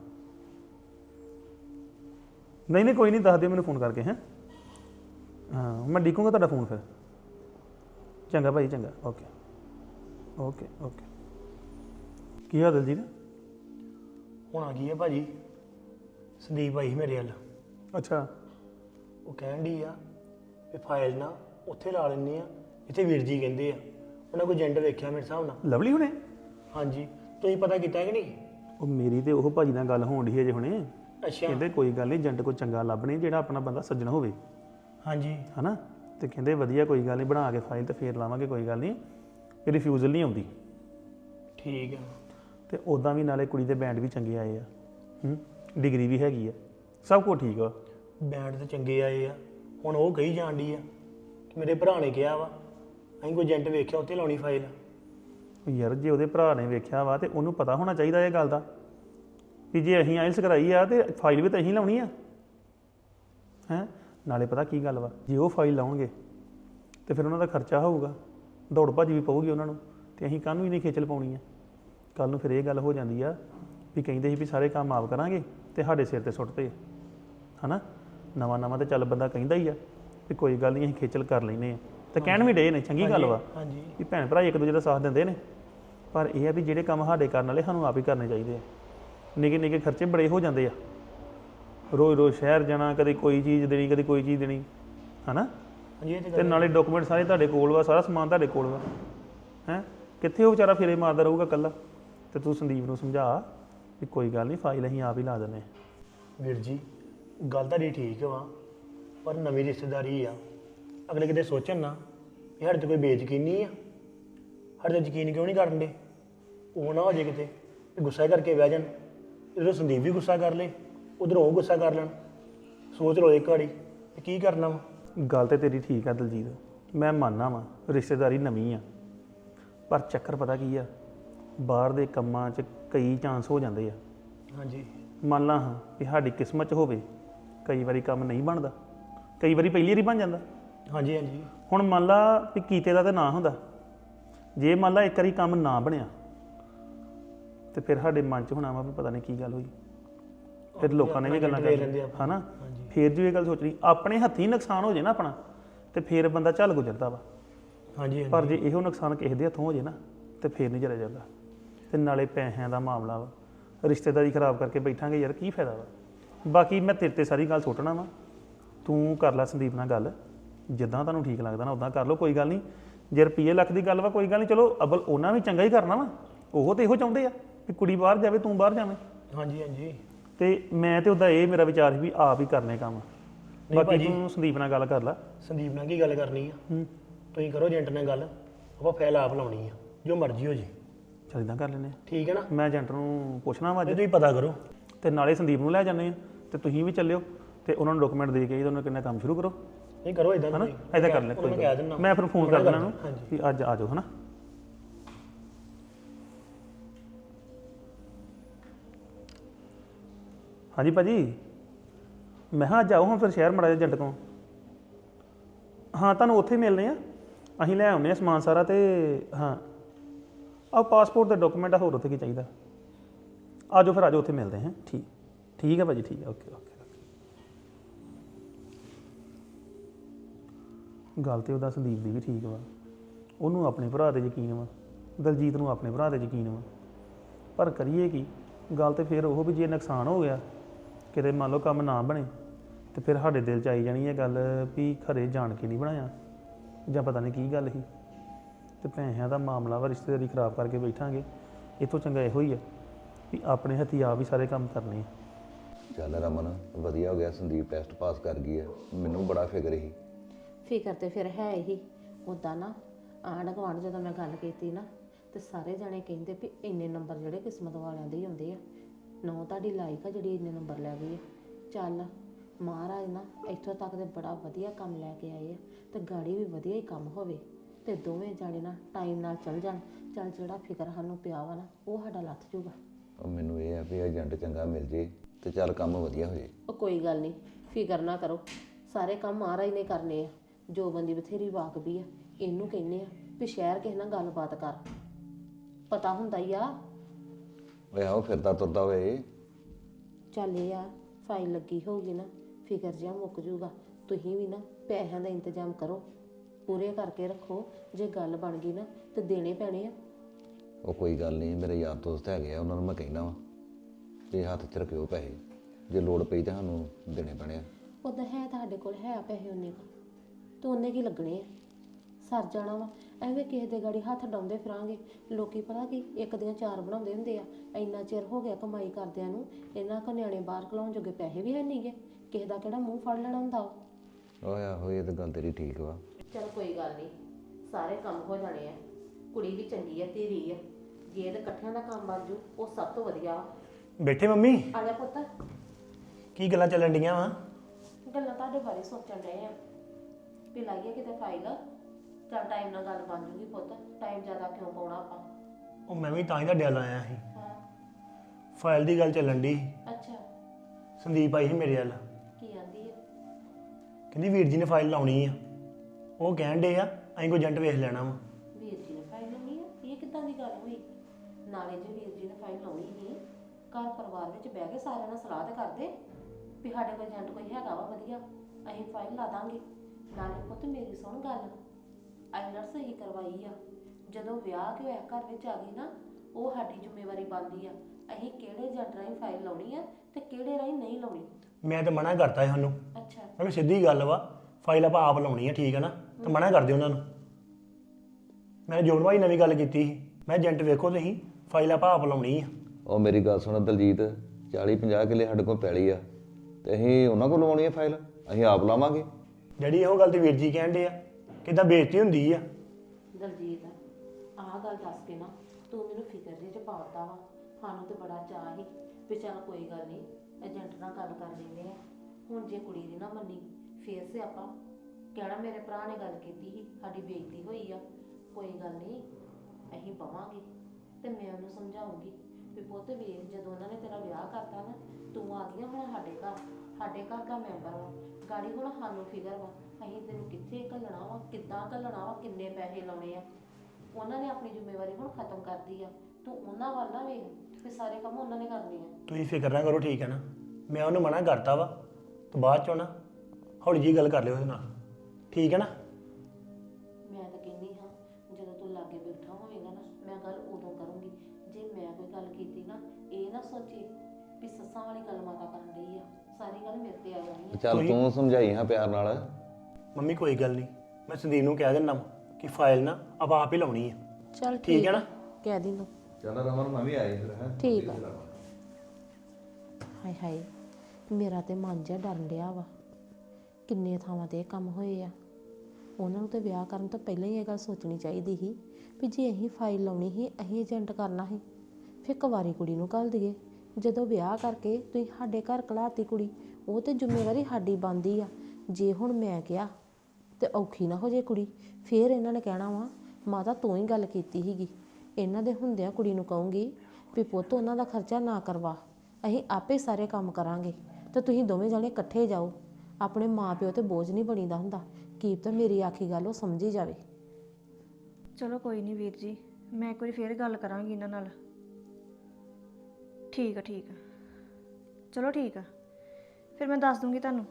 ਨਹੀਂ ਨਹੀਂ, ਕੋਈ ਨਹੀਂ, ਦੱਸ ਦਿਓ ਮੈਨੂੰ ਫੋਨ ਕਰਕੇ। ਹੈ ਹਾਂ, ਮੈਂ ਡਿੱਕੂੰਗਾ ਤੁਹਾਡਾ ਫੋਨ ਫਿਰ। ਚੰਗਾ ਭਾਈ, ਚੰਗਾ, ਓਕੇ ਓਕੇ ਓਕੇ। ਕੀ ਹਾਲ ਦਲਜੀਤ?
ਹੋਣਾ ਕੀ ਹੈ ਭਾਜੀ, ਸੰਦੀਪ ਆਈ ਸੀ ਮੇਰੇ ਵੱਲ।
ਅੱਛਾ।
ਉਹ ਕਹਿਣ ਡਈ ਆ ਵੀ ਫਾਈਲ ਨਾ ਉੱਥੇ ਲਾ ਲੈਂਦੇ ਆ ਜਿੱਥੇ ਵੀਰ ਜੀ ਕਹਿੰਦੇ ਆ। ਉਹਨਾਂ ਕੋਈ ਏਜੰਟ ਵੇਖਿਆ ਮੇਰੇ ਹਿਸਾਬ ਨਾਲ।
ਲਵਲੀ ਹੁਣੇ?
ਹਾਂਜੀ, ਤੁਸੀਂ ਪਤਾ ਕੀਤਾ ਕਿ ਨਹੀਂ?
ਉਹ ਮੇਰੀ ਤੇ ਉਹ ਭਾਜੀ ਨਾਲ ਗੱਲ ਹੋਣ ਡਈ ਅਜੇ ਹੁਣੇ।
ਅੱਛਾ।
ਕਹਿੰਦੇ ਕੋਈ ਗੱਲ ਨਹੀਂ, ਏਜੰਟ ਕੋਈ ਚੰਗਾ ਲੱਭਣੇ ਜਿਹੜਾ ਆਪਣਾ ਬੰਦਾ ਸੱਜਣ ਹੋਵੇ।
ਹਾਂਜੀ।
ਹਨਾ, ਤੇ ਕਹਿੰਦੇ ਵਧੀਆ, ਕੋਈ ਗੱਲ ਨਹੀਂ, ਬਣਾ ਕੇ ਫਾਈਲ ਤੇ ਫੇਰ ਲਾਵਾਂਗੇ, ਕੋਈ ਗੱਲ ਨਹੀਂ, ਇਹ ਰਿਫਿਊਜ਼ਲ ਨਹੀਂ ਆਉਂਦੀ।
ਠੀਕ ਆ।
ਤੇ ਉੱਦਾਂ ਵੀ ਨਾਲੇ ਕੁੜੀ ਦੇ ਬੈਂਡ ਵੀ ਚੰਗੇ ਆਏ ਆ, ਡਿਗਰੀ ਵੀ ਹੈਗੀ ਆ, ਸਭ ਕੁਝ ਠੀਕ ਆ।
ਬੈਂਡ ਤੇ ਚੰਗੇ ਆਏ ਆ। ਹੁਣ ਉਹ ਕਹੀ ਜਾਂਦੀ ਆ ਕਿ ਮੇਰੇ ਭਰਾ ਨੇ ਕਿਹਾ ਵਾ ਅਸੀਂ ਕੋਈ ਏਜੰਟ ਵੇਖਿਆ ਉੱਥੇ ਲਾਉਣੀ ਫਾਈਲ।
ਯਾਰ ਜੇ ਉਹਦੇ ਭਰਾ ਨੇ ਵੇਖਿਆ ਵਾ ਤੇ ਉਹਨੂੰ ਪਤਾ ਹੋਣਾ ਚਾਹੀਦਾ ਇਹ ਗੱਲ ਦਾ ਵੀ ਜੇ ਅਸੀਂ ਆਇਲਸ ਕਰਾਈ ਆ ਤੇ ਫਾਈਲ ਵੀ ਤਾਂ ਅਸੀਂ ਲਾਉਣੀ ਆ। ਹੈਂ, ਨਾਲੇ ਪਤਾ ਕੀ ਗੱਲ ਵਾ, ਜੇ ਉਹ ਫਾਈਲ ਲਾਉਣਗੇ ਤੇ ਫਿਰ ਉਹਨਾਂ ਦਾ ਖਰਚਾ ਹੋਊਗਾ, ਦੌੜ ਭੱਜ ਵੀ ਪਊਗੀ ਉਹਨਾਂ ਨੂੰ, ਤੇ ਅਸੀਂ ਕਾਹਨੂੰ ਹੀ ਨਹੀਂ ਖੇਚਲ ਪਾਉਣੀ ਆ। ਕੱਲ ਨੂੰ ਫਿਰ ਇਹ ਗੱਲ ਹੋ ਜਾਂਦੀ ਆ ਵੀ ਕਹਿੰਦੇ ਸੀ ਵੀ ਸਾਰੇ ਕੰਮ ਆਪ ਕਰਾਂਗੇ ਤੇ ਸਾਡੇ ਸਿਰ ਤੇ ਸੁੱਟ ਪਏ। ਹਨਾ, ਨਵਾਂ ਨਵਾਂ ਤੇ ਚੱਲ ਬੰਦਾ ਕਹਿੰਦਾ ਹੀ ਆ ਵੀ ਕੋਈ ਗੱਲ ਨਹੀਂ ਅਸੀਂ ਖੇਚਲ ਕਰ ਲੈਂਦੇ ਆ, ਤੇ ਕਹਿਣ ਵੀ ਡੇ ਨੇ, ਚੰਗੀ ਗੱਲ ਵਾ
ਹਾਂਜੀ।
ਵੀ ਭੈਣ ਭਰਾ ਇੱਕ ਦੂਜੇ ਦਾ ਸਾਥ ਦਿੰਦੇ ਨੇ। ਪਰ ਇਹ ਆ ਵੀ ਜਿਹੜੇ ਕੰਮ ਸਾਡੇ ਕਰਨ ਵਾਲੇ ਸਾਨੂੰ ਆਪ ਹੀ ਕਰਨੇ ਚਾਹੀਦੇ ਆ। ਨਿੱਕੇ ਨਿੱਕੇ ਖਰਚੇ ਬੜੇ ਹੋ ਜਾਂਦੇ ਆ, ਰੋਜ਼ ਰੋਜ਼ ਸ਼ਹਿਰ ਜਾਣਾ, ਕਦੇ ਕੋਈ ਚੀਜ਼ ਦੇਣੀ, ਕਦੇ ਕੋਈ ਚੀਜ਼ ਦੇਣੀ, ਹਨਾ।
ਹਾਂਜੀ, ਇਹ
ਤੇ ਨਾਲੇ ਡਾਕੂਮੈਂਟ ਸਾਰੇ ਤੁਹਾਡੇ ਕੋਲ ਵਾ, ਸਾਰਾ ਸਮਾਨ ਤੁਹਾਡੇ ਕੋਲ ਵਾ। ਹੈਂ, ਕਿੱਥੇ ਉਹ ਵਿਚਾਰਾ ਫੇਰੇ ਮਾਰਦਾ ਰਹੂਗਾ ਇਕੱਲਾ। ਤੇ ਤੂੰ ਸੰਦੀਪ ਨੂੰ ਸਮਝਾ ਵੀ ਕੋਈ ਗੱਲ ਨਹੀਂ, ਫਾਈਲ ਅਸੀਂ ਆਪ ਹੀ ਲਾ ਦਿੰਦੇ।
ਵੀਰ ਜੀ ਗੱਲ ਤੁਹਾਡੀ ਠੀਕ ਵਾ, ਪਰ ਨਵੀਂ ਰਿਸ਼ਤੇਦਾਰੀ ਆ, ਅਗਲੇ ਕਿਤੇ ਸੋਚਣ ਨਾ ਇਹ ਸਾਡੇ 'ਤੇ ਕੋਈ ਬੇਇੱਜ਼ਤੀ ਨਹੀਂ ਆ, ਸਾਡੇ 'ਤੇ ਯਕੀਨ ਕਿਉਂ ਨਹੀਂ ਕਰਨ ਦੇ। ਉਹ ਨਾ ਹੋ ਜੇ ਕਿਤੇ ਵੀ ਗੁੱਸਾ ਕਰਕੇ ਬਹਿ ਜਾਣ, ਇਧਰੋਂ ਸੰਦੀਪ ਵੀ ਗੁੱਸਾ ਕਰ ਲੇ, ਉਧਰੋਂ ਉਹ ਗੁੱਸਾ ਕਰ ਲੈਣ। ਸੋਚ ਲਓ ਇੱਕ ਵਾਰੀ ਵੀ ਕੀ ਕਰਨਾ ਵਾ।
ਗੱਲ ਤੇ ਤੇਰੀ ਠੀਕ ਆ ਦਲਜੀਤ, ਮੈਂ ਮੰਨਦਾ ਵਾਂ ਰਿਸ਼ਤੇਦਾਰੀ ਨਵੀਂ ਆ, ਪਰ ਚੱਕਰ ਪਤਾ ਕੀ ਆ, ਬਾਹਰ ਦੇ ਕੰਮਾਂ 'ਚ ਕਈ ਚਾਂਸ ਹੋ ਜਾਂਦੇ ਆ।
ਹਾਂਜੀ
ਮੰਨ ਲਾ ਹਾਂ ਕਿ ਸਾਡੀ ਕਿਸਮਤ 'ਚ ਹੋਵੇ, ਕਈ ਵਾਰੀ ਕੰਮ ਨਹੀਂ ਬਣਦਾ, ਕਈ ਵਾਰੀ ਪਹਿਲੀ ਵਾਰੀ ਬਣ ਜਾਂਦਾ।
ਹਾਂਜੀ ਹਾਂਜੀ
ਹੁਣ ਮੰਨ ਲਾ ਵੀ ਕੀਤੇ ਦਾ ਤਾਂ ਨਾ ਹੁੰਦਾ, ਜੇ ਮੰਨ ਲਾ ਇੱਕ ਵਾਰੀ ਕੰਮ ਨਾ ਬਣਿਆ ਤੇ ਫਿਰ ਸਾਡੇ ਮਨ 'ਚ ਹੋਣਾ ਵਾ ਵੀ ਪਤਾ ਨਹੀਂ ਕੀ ਗੱਲ ਹੋਈ, ਫਿਰ ਲੋਕਾਂ ਨੇ ਵੀ ਗੱਲਾਂ
ਵੇਖ
ਕਰ
ਲੈਂਦੇ ਆਪਾਂ।
ਹਨਾ।
ਹਾਂਜੀ।
ਫਿਰ ਜੋ ਇਹ ਗੱਲ ਸੋਚਣੀ ਆਪਣੇ ਹੱਥੀਂ ਨੁਕਸਾਨ ਹੋ ਜੇ ਨਾ ਆਪਣਾ, ਤੇ ਫਿਰ ਬੰਦਾ ਚੱਲ ਗੁਜ਼ਰਦਾ ਵਾ।
ਹਾਂਜੀ
ਪਰ ਜੇ ਇਹੋ ਨੁਕਸਾਨ ਕਿਸੇ ਦੇ ਹੱਥੋਂ ਹੋ ਜੇ ਨਾ ਤੇ ਫਿਰ ਨਹੀਂ ਜਰਿਆ ਜਾਂਦਾ। ਤੇ ਨਾਲੇ ਪੈਸਿਆਂ ਦਾ ਮਾਮਲਾ ਵਾ, ਰਿਸ਼ਤੇਦਾਰੀ ਖਰਾਬ ਕਰਕੇ ਬੈਠਾਂਗੇ ਯਾਰ, ਕੀ ਫਾਇਦਾ ਵਾ। ਬਾਕੀ ਮੈਂ ਤੇਰੇ ਤੇ ਸਾਰੀ ਗੱਲ ਸੁੱਟਣਾ ਵਾ, ਤੂੰ ਕਰ ਲੈ ਸੰਦੀਪ ਨਾਲ ਗੱਲ, ਜਿੱਦਾਂ ਤੁਹਾਨੂੰ ਠੀਕ ਲੱਗਦਾ ਨਾ ਉਦਾਂ ਕਰ ਲਓ, ਕੋਈ ਗੱਲ ਨਹੀਂ। ਜੇ ਰੁਪਈਏ ਲੱਖ ਦੀ ਗੱਲ ਵਾ ਕੋਈ ਗੱਲ ਨਹੀਂ, ਚਲੋ ਅਬਲ ਉਹਨਾਂ ਵੀ ਚੰਗਾ ਹੀ ਕਰਨਾ ਵਾ, ਉਹ ਤੇ ਇਹੋ ਚਾਹੁੰਦੇ ਆ ਕਿ ਕੁੜੀ ਬਾਹਰ ਜਾਵੇ ਤੂੰ ਬਾਹਰ ਜਾਵੇਂ।
ਹਾਂਜੀ ਹਾਂਜੀ
ਤੇ ਮੈਂ ਤੇ ਉਹਦਾ ਇਹ ਮੇਰਾ ਵਿਚਾਰ ਸੀ ਵੀ ਆਪ ਹੀ ਕਰਨੇ ਕੰਮ। ਬਾਕੀ
ਭਾਜੀ।
ਤੂੰ ਸੰਦੀਪ ਨਾਲ ਗੱਲ ਕਰ ਲੈ।
ਸੰਦੀਪ ਨਾਲ ਕੀ ਗੱਲ ਕਰਨੀ ਆ,
ਹੂੰ
ਤੁਸੀਂ ਕਰੋ ਏਜੰਟ ਨਾਲ ਗੱਲ, ਆਪਾਂ ਫਾਈਲ ਆਪ ਲਾਉਣੀ ਆ, ਜੋ ਮਰਜ਼ੀ ਹੋ ਜੇ।
ਚੱਲ ਇੱਦਾਂ ਕਰ ਲੈਂਦੇ ਹਾਂ।
ਠੀਕ ਹੈ ਨਾ।
ਮੈਂ ਏਜੰਟ ਨੂੰ ਪੁੱਛਣਾ ਵਾ
ਤੇ
ਅੱਜ,
ਤੁਸੀਂ ਪਤਾ ਕਰੋ।
ਤੇ ਨਾਲੇ ਸੰਦੀਪ ਨੂੰ ਲੈ ਜਾਂਦੇ ਆ, ਤੇ ਤੁਸੀਂ ਵੀ ਚੱਲਿਓ ਤੇ ਉਹਨਾਂ ਨੂੰ ਡਾਕੂਮੈਂਟ ਦੇ ਕੇ ਤੇ ਉਹਨਾਂ ਕਿੰਨਾ ਕੰਮ ਸ਼ੁਰੂ ਕਰੋ,
ਨਹੀਂ ਕਰੋ ਇਦਾਂ
ਹਨਾ। ਐਦਾਂ ਕਰ ਲੈ ਕੋਈ
ਕਹਿ
ਗੱਲ
ਦਿੰਦਾ
ਨੀ। ਮੈਂ ਫਿਰ ਫੋਨ ਕਰ ਦੇਣਾ ਉਹਨੂੰ
ਹਾਂਜੀ।
ਵੀ ਅੱਜ ਆ ਜਾਓ, ਹਨਾ। ਹਾਂਜੀ ਭਾਜੀ, ਮੈਂ ਕਿਹਾ ਅੱਜ ਆਓ ਹੁਣ ਫਿਰ ਸ਼ਹਿਰ ਮੜਾ ਜਿਹਾ ਏਜੰਟ ਕੋਲ। ਹਾਂ ਤੁਹਾਨੂੰ ਉੱਥੇ ਹੀ ਮਿਲਨੇ ਆ, ਅਸੀਂ ਲੈ ਆਉਂਦੇ ਆ ਸਮਾਨ ਸਾਰਾ। ਤੇ ਹਾਂ ਆਹ ਪਾਸਪੋਰਟ ਦੇ ਡਾਕੂਮੈਂਟ ਆ, ਹੋਰ ਉੱਥੇ ਕੀ ਚਾਹੀਦਾ। ਆ ਜਾਓ ਫਿਰ, ਆ ਜਾਓ ਉੱਥੇ ਮਿਲਦੇ ਹਾਂ। ਠੀਕ ਠੀਕ ਹੈ ਭਾਜੀ, ਠੀਕ ਹੈ, ਓਕੇ ਓਕੇ। ਗੱਲ ਤੇ ਉਹਦਾ ਸੰਦੀਪ ਦੀ ਵੀ ਠੀਕ ਵਾ, ਉਹਨੂੰ ਆਪਣੇ ਭਰਾ ਤੇ ਯਕੀਨ ਵਾ, ਦਲਜੀਤ ਨੂੰ ਆਪਣੇ ਭਰਾ ਤੇ ਯਕੀਨ ਵਾ। ਪਰ ਕਰੀਏ ਕੀ, ਗੱਲ ਤੇ ਫਿਰ ਉਹ ਵੀ ਜੇ ਨੁਕਸਾਨ ਹੋ ਗਿਆ ਕਿਤੇ ਮੰਨ ਲਓ ਕੰਮ ਨਾ ਬਣੇ, ਤੇ ਫਿਰ ਸਾਡੇ ਦਿਲ 'ਚ ਆਈ ਜਾਣੀ ਇਹ ਗੱਲ ਵੀ ਖਰੇ ਜਾਣ ਕੇ ਨਹੀਂ ਬਣਾਇਆ ਜਾਂ ਪਤਾ ਨਹੀਂ ਕੀ ਗੱਲ ਸੀ। ਤੇ ਪੈਸਿਆਂ ਦਾ ਮਾਮਲਾ ਵਾ, ਰਿਸ਼ਤੇਦਾਰੀ ਖਰਾਬ ਕਰਕੇ ਬੈਠਾਂਗੇ। ਇੱਥੋਂ ਚੰਗਾ ਇਹੋ ਹੀ ਆ ਵੀ ਆਪਣੇ ਹੱਥੀਂ ਆਪ ਹੀ ਸਾਰੇ ਕੰਮ ਕਰਨੇ ਆ।
ਚੱਲ ਰਮਨ, ਵਧੀਆ ਹੋ ਗਿਆ ਸੰਦੀਪ ਟੈਸਟ ਪਾਸ ਕਰ ਗਈ ਹੈ, ਮੈਨੂੰ ਬੜਾ ਫਿਕਰ ਸੀ।
ਫਿਕਰ ਤੇ ਫਿਰ ਹੈ ਹੀ। ਉੱਦਾਂ ਨਾ ਆਂਢ ਗੁਆਂਢ ਜਦੋਂ ਮੈਂ ਗੱਲ ਕੀਤੀ ਨਾ, ਤੇ ਸਾਰੇ ਜਣੇ ਕਹਿੰਦੇ ਵੀ ਇੰਨੇ ਨੰਬਰ ਜਿਹੜੇ ਕਿਸਮਤ ਵਾਲਿਆਂ ਦੇ ਹੀ ਹੁੰਦੇ ਆ, ਨੌ ਤੁਹਾਡੀ ਲਾਇਕ ਆ ਜਿਹੜੀ ਇੰਨੇ ਨੰਬਰ ਲੈ ਗਈ ਆ। ਚੱਲ ਮਹਾਰਾਜ ਨਾ ਇੱਥੋਂ ਤੱਕ ਤੇ ਬੜਾ ਵਧੀਆ ਕੰਮ ਲੈ ਕੇ ਆਏ ਆ, ਤੇ ਗਾੜੀ ਵੀ ਵਧੀਆ ਹੀ ਕੰਮ ਹੋਵੇ, ਤੇ ਦੋਵੇਂ ਜਾਣੇ ਨਾ ਟਾਈਮ ਨਾਲ ਚੱਲ ਜਾਣ। ਚੱਲ ਜਿਹੜਾ ਫਿਕਰ ਸਾਨੂੰ ਪਿਆ ਵਾ ਨਾ, ਉਹ ਸਾਡਾ ਲੱਥ ਜੂਗਾ।
ਉਹ ਮੈਨੂੰ ਇਹ ਆ ਵੀ ਏਜੰਟ ਚੰਗਾ ਮਿਲ ਜੇ ਤੇ ਚੱਲ ਕੰਮ ਵਧੀਆ ਹੋ ਜੇ।
ਉਹ ਕੋਈ ਗੱਲ ਨਹੀਂ, ਫਿਕਰ ਨਾ ਕਰੋ, ਸਾਰੇ ਕੰਮ ਮਹਾਰਾਜ ਨੇ ਕਰਨੇ ਆ। ਜੋ ਬੰਦੀ ਬਥੇਰੀ ਵਾਕਬੀ ਆ, ਇਹਨੂੰ ਕਹਿੰਦੇ ਆ ਵੀ ਸ਼ਹਿਰ ਕਿਸੇ ਨਾਲ ਗੱਲਬਾਤ ਕਰ, ਪਤਾ ਹੁੰਦਾ ਹੀ ਆ।
ਓਏ ਆਓ ਫਿਰਦਾ ਤੁਰਦਾ ਹੋਏ।
ਚੱਲ ਇਹ ਆ ਫਾਈਲ ਲੱਗੀ ਹੋਊਗੀ ਨਾ, ਫਿਕਰ ਜਿਹਾ ਮੁੱਕ ਜੂਗਾ। ਤੁਸੀਂ ਵੀ ਨਾ ਪੈਸਿਆਂ ਦਾ ਇੰਤਜ਼ਾਮ ਕਰੋ, ਪੂਰੇ ਕਰਕੇ ਰੱਖੋ। ਜੇ ਗੱਲ ਬਣ ਗਈ ਨਾ ਤੇ ਦੇਣੇ ਪੈਣੇ ਆ।
ਉਹ ਕੋਈ ਗੱਲ ਨਹੀਂ, ਮੇਰੇ ਯਾਰ ਦੋਸਤ ਹੈਗੇ ਆ, ਉਹਨਾਂ ਨੂੰ ਮੈਂ ਕਹਿਣਾ ਵਾ ਵੀ ਹੱਥ 'ਚ ਰੱਖਿਓ ਪੈਸੇ, ਜੇ ਲੋੜ ਪਈ ਤਾਂ ਸਾਨੂੰ ਦੇਣੇ ਪੈਣੇ ਆ।
ਉਦਾਂ ਹੈ ਤੁਹਾਡੇ ਕੋਲ ਹੈ ਪੈਸੇ ਉਹਨੇ ਕੋ, ਤੇ ਉਹਨੇ ਕੀ ਲੱਗਣੇ ਆ, ਸਰ ਜਾਣਾ ਵਾ। ਐਵੇਂ ਕਿਸੇ ਦੇ ਗਾੜੀ ਹੱਥ ਡਾਉਂਦੇ ਫਿਰਾਂਗੇ। ਲੋਕੀ ਪਤਾ ਕੀ ਇੱਕ ਦੀਆਂ ਚਾਰ ਬਣਾਉਂਦੇ ਹੁੰਦੇ ਆ। ਇੰਨਾ ਚਿਰ ਹੋ ਗਿਆ ਕਮਾਈ ਕਰਦਿਆਂ ਨੂੰ, ਇਹਨਾਂ ਕੋ ਨਿਆਣੇ ਬਾਹਰ ਘਲਾਉਣ ਜੋਗੇ ਪੈਸੇ ਵੀ ਹੈ ਨਹੀਂਗੇ। ਕਿਸੇ ਦਾ ਕਿਹੜਾ ਮੂੰਹ ਫੜ ਲੈਣਾ ਹੁੰਦਾ ਵਾ।
ਓਏ ਆਹੋ, ਇਹ ਤਾਂ ਗੱਲ ਤੇਰੀ ਠੀਕ ਵਾ।
ਚਲ ਕੋਈ ਗੱਲ ਨਹੀਂ, ਸਾਰੇ ਕੰਮ ਹੋ ਜਾਣੇ ਆ। ਕੁੜੀ ਵੀ ਚੰਗੀ ਆ, ਧੀਰੀ ਆ। ਜੇ ਇਹਦੇ ਇਕੱਠਿਆਂ ਦਾ ਕੰਮ ਬਣ ਜੂ, ਉਹ ਸਭ ਤੋਂ ਵਧੀਆ ਵਾ।
ਬੈਠੇ ਮੰਮੀ,
ਆ ਜਾ ਪੁੱਤ,
ਕੀ ਗੱਲਾਂ ਚੱਲਣ ਡੀਆਂ ਵਾ?
ਗੱਲਾਂ ਤੁਹਾਡੇ ਬਾਰੇ ਸੋਚਣ ਡਏ ਆ ਵੀ ਲਾਈਏ ਕਿਤੇ ਫਾਈਲ। ਚੱਲ ਟਾਈਮ ਨਾਲ ਗੱਲ ਬਣ ਜੂਗੀ ਪੁੱਤ, ਟਾਈਮ ਜ਼ਿਆਦਾ ਕਿਉਂ ਪਾਉਣਾ ਆਪਾਂ।
ਉਹ ਮੈਂ ਵੀ ਤਾਂ ਹੀ ਤੁਹਾਡੇ ਵੱਲ ਆਇਆ ਸੀ,
ਹਾਂ
ਫਾਈਲ ਦੀ ਗੱਲ ਚੱਲਣ ਦੀ।
ਅੱਛਾ,
ਸੰਦੀਪ ਆਈ ਸੀ ਮੇਰੇ ਵੱਲ,
ਕੀ ਆਂਦੀ ਹੈ?
ਕਹਿੰਦੀ ਵੀਰ ਜੀ ਨੇ ਫਾਈਲ ਲਾਉਣੀ ਆ। ਉਹ ਕਹਿਣ ਡੇ ਆ ਅਸੀਂ ਕੋਈ ਏਜੰਟ ਵੇਖ ਲੈਣਾ ਵਾ।
ਵੀਰ ਜੀ ਨੇ ਫਾਈਲ ਲਾਉਣੀ ਆ? ਇਹ ਕਿੱਦਾਂ ਦੀ ਗੱਲ ਹੋਈ? ਨਾਲੇ ਜੇ ਵੀਰ ਜੀ ਨੇ ਫਾਈਲ ਲਾਉਣੀ ਸੀ, ਘਰ ਪਰਿਵਾਰ ਵਿੱਚ ਬਹਿ ਕੇ ਸਾਰਿਆਂ ਨਾਲ ਸਲਾਹ ਤੇ ਕਰਦੇ ਵੀ ਸਾਡੇ ਕੋਲ ਏਜੰਟ ਕੋਈ ਹੈਗਾ ਵਾ ਵਧੀਆ, ਅਸੀਂ ਫਾਈਲ ਲਾ ਦਾਂਗੇ। ਨਾਲੇ ਪੁੱਤ ਮੇਰੀ ਸੁਣ ਗੱਲ, ਆਈਲਟਸ ਹੀ ਕਰਵਾਈ ਆ। ਜਦੋਂ ਵਿਆਹ ਕੇ ਹੋਇਆ ਘਰ ਵਿੱਚ ਆ ਗਈ ਨਾ, ਉਹ ਸਾਡੀ ਜ਼ਿੰਮੇਵਾਰੀ ਬਣਦੀ ਆ। ਅਸੀਂ ਕਿਹੜੇ ਏਜੰਟ ਰਾਹੀਂ ਫਾਈਲ ਲਾਉਣੀ ਆ ਤੇ ਕਿਹੜੇ ਰਾਹੀਂ ਨਹੀਂ ਲਾਉਣੀ।
ਮੈਂ ਤਾਂ ਮਨਾ ਕਰਤਾ ਸੀ ਸਾਨੂੰ।
ਅੱਛਾ,
ਮੈਂ ਕਿਹਾ ਸਿੱਧੀ ਗੱਲ ਵਾ, ਫਾਈਲ ਆਪਾਂ ਆਪ ਲਾਉਣੀ ਆ, ਠੀਕ ਹੈ ਨਾ, ਤਾਂ ਮਨਾ ਕਰ ਦਿਓ ਉਹਨਾਂ ਨੂੰ। ਮੈਂ ਜੋਨ ਭਾਈ ਨਵੀਂ ਗੱਲ ਕੀਤੀ ਸੀ, ਮੈਂ ਏਜੰਟ ਵੇਖੋ ਤੁਸੀਂ, ਫਾਈਲ ਆਪਾਂ ਆਪ ਲਾਉਣੀ ਆ।
ਉਹ ਮੇਰੀ ਗੱਲ ਸੁਣ ਦਲਜੀਤ, 40-50 ਕਿੱਲੇ ਸਾਡੇ ਕੋਲ ਪੈਲੀ ਆ, ਤੇ ਅਸੀਂ ਉਹਨਾਂ ਕੋਲ ਲਵਾਉਣੀ ਆ ਫਾਈਲ, ਅਸੀਂ ਆਪ ਲਾਵਾਂਗੇ।
ਜਿਹੜੀ ਇਹੋ ਗੱਲ ਤੇ ਵੀਰ ਜੀ ਕਹਿਣ ਡੇ ਆ, ਕਿੱਦਾਂ ਬੇਇੱਜ਼ਤੀ ਹੁੰਦੀ ਆ।
ਦਲਜੀਤ ਆਹ ਗੱਲ ਦੱਸ ਕੇ ਨਾ ਤੂੰ ਮੈਨੂੰ ਫਿਕਰ ਜਿਹੇ ਚ ਪਾਉਂਦਾ ਵਾ। ਸਾਨੂੰ ਤੇ ਬੜਾ ਚਾਅ ਸੀ ਵੀ ਚੱਲ ਕੋਈ ਗੱਲ ਨਹੀਂ ਏਜੰਟ ਨਾਲ ਗੱਲ ਕਰ ਲੈਂਦੇ ਆ। ਹੁਣ ਜੇ ਕੁੜੀ ਦੀ ਨਾ ਮੰਨੀ ਫੇਰ ਸੇ ਆਪਾਂ ਕਹਿਣਾ ਮੇਰੇ ਭਰਾ ਨੇ ਗੱਲ ਕੀਤੀ ਸੀ, ਸਾਡੀ ਬੇਇੱਜ਼ਤੀ ਹੋਈ ਆ। ਕੋਈ ਗੱਲ ਨਹੀਂ, ਅਸੀਂ ਬਵਾਂਗੇ ਤੇ ਮੈਂ ਉਹਨੂੰ ਸਮਝਾਉਂਗੀ ਵੀ ਪੁੱਤ ਵੇਖ, ਜਦੋਂ ਉਹਨਾਂ ਨੇ ਤੇਰਾ ਵਿਆਹ ਕਰਤਾ ਨਾ, ਤੂੰ ਆ ਗਈ ਹੁਣ ਸਾਡੇ ਘਰ ਦਾ ਮੈਂਬਰ ਵਾ। ਗਾੜੀ ਹੁਣ ਸਾਨੂੰ ਫਿਕਰ ਵਾ, ਅਸੀਂ ਤੈਨੂੰ ਕਿੱਥੇ ਘੱਲਣਾ ਵਾ, ਕਿੱਦਾਂ ਘੱਲਣਾ ਵਾ, ਕਿੰਨੇ ਪੈਸੇ ਲਾਉਣੇ ਆ। ਉਹਨਾਂ ਨੇ ਆਪਣੀ ਜ਼ਿੰਮੇਵਾਰੀ ਹੁਣ ਖਤਮ ਕਰਦੀ ਆ, ਤੂੰ ਉਹਨਾਂ ਵੱਲ ਨਾ ਵੇਖ ਵੀ ਸਾਰੇ ਕੰਮ ਉਹਨਾਂ ਨੇ ਕਰਨੇ ਆ।
ਤੁਸੀਂ ਫਿਕਰ ਨਾ ਕਰੋ, ਠੀਕ ਹੈ ਨਾ। ਮੈਂ ਉਹਨੂੰ ਮਨਾ ਕਰਤਾ ਵਾ, ਤੇ ਬਾਅਦ ਚੋਂ ਨਾ ਹੌਲੀ ਜਿਹੀ ਗੱਲ ਕਰ ਲਿਓ ਉਹਦੇ ਨਾਲ, ਠੀਕ ਹੈ ਨਾ।
ਮੈਂ ਤਾਂ ਕਹਿੰਦੀ ਹਾਂ ਜਦੋਂ ਤੂੰ ਲਾਗੇ ਬੈਠਾ ਹੋਵੇਗਾ ਨਾ, ਮੈਂ ਗੱਲ ਉਦੋਂ ਕਰੂੰਗੀ। ਜੇ ਮੈਂ ਕੋਈ ਗੱਲ ਕੀਤੀ ਨਾ, ਇਹ ਨਾ ਸੋਚੀ ਵੀ ਸੱਸਾਂ ਵਾਲੀ ਗੱਲ ਮਾਤਾ ਕਰਨ ਡਈ ਆ, ਸਾਰੀ ਗੱਲ ਮੇਰੇ ਤੇ ਆ ਜਾਣੀ ਆ।
ਚੱਲ ਤੂੰ ਸਮਝਾਈ ਹਾਂ ਪਿਆਰ ਨਾਲ।
ਮੰਮੀ ਕੋਈ ਗੱਲ ਨਹੀਂ, ਮੈਂ ਸੰਦੀਪ ਨੂੰ ਕਹਿ ਦਿੰਦਾ ਕਿ ਫਾਈਲ ਨਾ ਆਪ ਹੀ ਲਾਉਣੀ ਆ।
ਚੱਲ
ਠੀਕ ਹੈ ਨਾ।
ਕਹਿ ਦੀ ਤੂੰ।
ਚੱਲ ਰਮਨ ਮੈਂ ਵੀ ਆਈ ਫਿਰ ਹੈ।
ਠੀਕ ਆ। ਹਾਏ ਹਾਏ, ਮੇਰਾ ਤੇ ਮਨ ਜਿਹਾ ਡਰਨ ਡਿਆ ਵਾ। ਕਿੰਨੇ ਥਾਵਾਂ ਤੇ ਇਹ ਕੰਮ ਹੋਏ ਆ। ਉਹਨਾਂ ਨੂੰ ਤੇ ਵਿਆਹ ਕਰਨ ਤੋਂ ਪਹਿਲਾਂ ਹੀ ਇਹ ਗੱਲ ਸੋਚਣੀ ਚਾਹੀਦੀ ਸੀ ਵੀ ਜੇ ਅਸੀਂ ਫਾਈਲ ਲਾਉਣੀ ਸੀ, ਅਸੀਂ ਏਜੰਟ ਕਰਨਾ ਸੀ, ਫਿਰ ਕੁਵਾਰੀ ਕੁੜੀ ਨੂੰ ਘੱਲ ਦਈਏ। ਜਦੋਂ ਵਿਆਹ ਕਰਕੇ ਤੁਸੀਂ ਸਾਡੇ ਘਰ ਘਲਾਤੀ ਕੁੜੀ, ਉਹ ਤੇ ਜ਼ਿੰਮੇਵਾਰੀ ਸਾਡੀ ਬਣਦੀ ਆ। ਜੇ ਹੁਣ ਮੈਂ ਕਿਹਾ ਤੇ ਔਖੀ ਨਾ ਹੋ ਜੇ ਕੁੜੀ, ਫਿਰ ਇਹਨਾਂ ਨੇ ਕਹਿਣਾ ਵਾ ਮਾਤਾ ਤੂੰ ਹੀ ਗੱਲ ਕੀਤੀ ਸੀਗੀ। ਇਹਨਾਂ ਦੇ ਹੁੰਦਿਆਂ ਕੁੜੀ ਨੂੰ ਕਹੂੰਗੀ ਵੀ ਪੁੱਤ ਉਹਨਾਂ ਦਾ ਖਰਚਾ ਨਾ ਕਰਵਾ, ਅਸੀਂ ਆਪੇ ਸਾਰੇ ਕੰਮ ਕਰਾਂਗੇ ਤੇ ਤੁਸੀਂ ਦੋਵੇਂ ਜਣੇ ਇਕੱਠੇ ਜਾਓ। ਆਪਣੇ ਮਾਂ ਪਿਓ ਤੇ ਬੋਝ ਨਹੀਂ ਬਣੀਦਾ ਹੁੰਦਾ। ਕੀ ਤਾਂ ਮੇਰੀ ਆਖੀ ਗੱਲ ਉਹ ਸਮਝੀ ਜਾਵੇ।
ਚਲੋ ਕੋਈ ਨਹੀਂ ਵੀਰ ਜੀ, ਮੈਂ ਇੱਕ ਵਾਰੀ ਫੇਰ ਗੱਲ ਕਰਾਂਗੀ ਇਹਨਾਂ ਨਾਲ। ਠੀਕ ਆ ਠੀਕ ਆ, ਚਲੋ ਠੀਕ ਆ, ਫਿਰ ਮੈਂ ਦੱਸ ਦੂੰਗੀ ਤੁਹਾਨੂੰ।